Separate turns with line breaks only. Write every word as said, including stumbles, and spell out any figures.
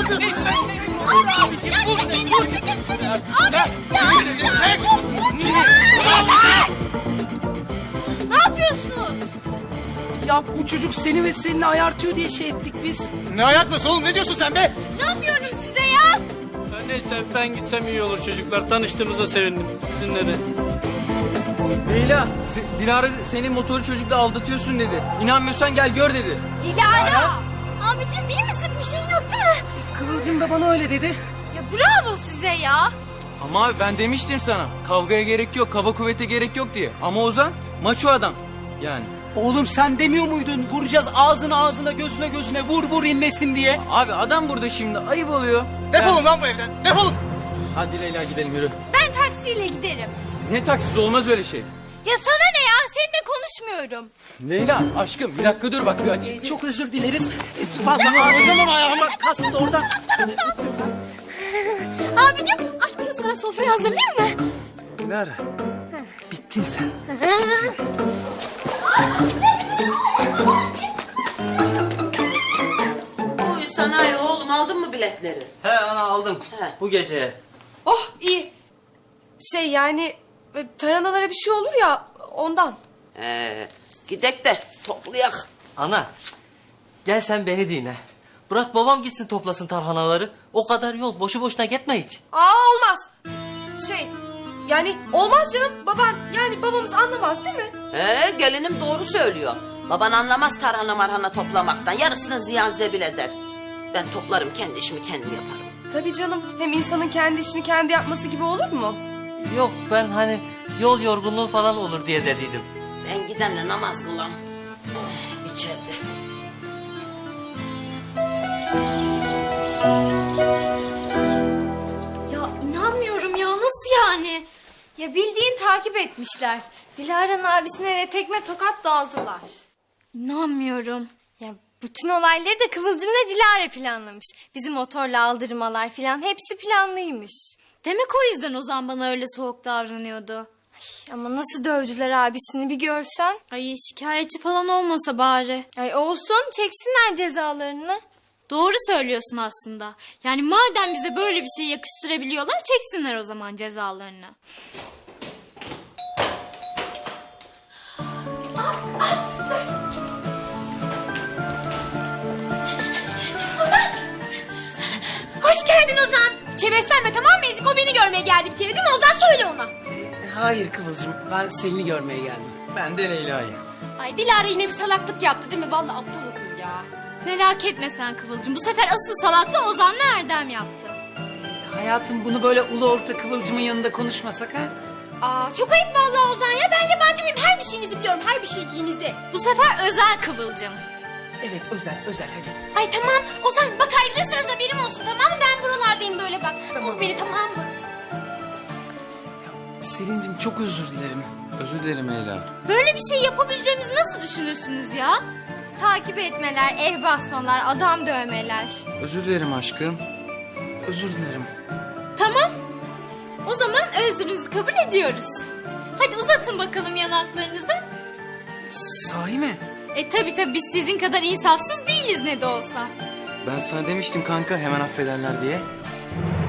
yapıyorsun?
Abi ya çekil ya çekil çekil. Abi ya. Ne yapıyorsunuz?
Ya bu çocuk seni ve Selin'i ayartıyor diye şey ettik biz.
Ne ayartması oğlum, ne diyorsun sen be?
Ne yapıyorum size ya?
Neyse ben gitsem iyi olur çocuklar. Tanıştığımıza sevindim. Sizinle de.
Leyla, se- Dilara senin motoru çocukla aldatıyorsun dedi. İnanmıyorsan gel gör dedi.
Dilara. Abicim iyi misin? Bir şey yok değil mi?
Kıvılcım da bana öyle dedi.
Ya bravo size ya.
Ama abi ben demiştim sana. Kavgaya gerek yok, kaba kuvvete gerek yok diye. Ama Ozan maço adam. Yani.
Oğlum sen demiyor muydun? Vuracağız ağzına ağzına gözüne gözüne vur vur inlesin diye.
Abi adam burada şimdi ayıp oluyor.
Defolun lan bu evden, defolun.
Hadi Leyla gidelim yürü.
Ben taksiyle giderim.
Ne taksiz olmaz öyle şey.
Ya sana ne ya? Seninle konuşmuyorum.
Leyla aşkım bir dakika dur bak bir aç.
Ee, çok özür dileriz. Ee, Vallahi ağlayacağım ayağıma kasıp da orada.
Abicim aşkım sana sofrayı hazırlayayım mı?
Dilara. Bittin sen.
Buyur sanayi oğlum, aldın mı biletleri?
He ana aldım.
He.
Bu gece.
Oh iyi. Şey yani e, tarhanalara bir şey olur ya ondan.
Ee, gidek de toplayak.
Ana gel sen beni dinle. Bırak babam gitsin toplasın tarhanaları. O kadar yol boşu boşuna gitme hiç.
Aa olmaz. Şey yani olmaz canım baban yani babamız anlamaz değil mi?
Ee, gelinim doğru söylüyor. Baban anlamaz tarhana marhana toplamaktan. Yarısını ziyan zebil eder. Ben toplarım, kendi işimi kendim yaparım.
Tabii canım hem insanın kendi işini kendi yapması gibi olur mu?
Yok ben hani yol yorgunluğu falan olur diye dediydim.
Ben gidem de namaz kılam. Oh, içeride.
Ya inanmıyorum ya nasıl yani? Ya bildiğin takip etmişler. Dilara'nın abisine de tekme tokat daldılar. İnanmıyorum. Ya bütün olayları da Kıvılcım'la Dilara planlamış. Bizi motorla aldırmalar falan hepsi planlıymış.
Demek o yüzden Ozan bana öyle soğuk davranıyordu.
Ay, ama nasıl dövdüler abisini bir görsen.
Ay şikayetçi falan olmasa bari.
Ay olsun çeksinler cezalarını.
Doğru söylüyorsun aslında. Yani madem bize böyle bir şey yakıştırabiliyorlar çeksinler o zaman cezalarını.
Hoş geldin Ozan. Çeveslenme tamam mı? Ezik o beni görmeye geldi bir kere değil mi? Ozan söyle ona.
Hayır Kıvılcım ben Selin'i görmeye geldim.
Ben de Leyla'yı.
Ay Dilara yine bir salaklık yaptı değil mi? Vallahi aptal o kız ya.
Merak etme sen Kıvılcım. Bu sefer asıl salakla Ozan'la Erdem yaptı.
Hayatım bunu böyle ulu orta Kıvılcım'ın yanında konuşmasak ha?
Aa çok ayıp vallahi Ozan ya. Ben yabancı mıyım? Her bir şeyinizi biliyorum. Her bir şeyciğinizi.
Bu sefer özel Kıvılcım.
Evet özel özel hadi.
Ay tamam Ozan bak ayrılırsanız haberim olsun tamam mı? Ben buralardayım böyle bak. Bul beni tamam mı?
Selin'cim çok özür dilerim.
Özür dilerim Leyla.
Böyle bir şey yapabileceğimizi nasıl düşünürsünüz ya?
Takip etmeler, ev basmalar, adam dövmeler.
Özür dilerim aşkım.
Özür dilerim.
Tamam. O zaman özrünüzü kabul ediyoruz. Hadi uzatın bakalım yanaklarınızı.
Sahi mi?
E tabi tabi biz sizin kadar insafsız değiliz ne de olsa.
Ben sana demiştim kanka hemen affederler diye.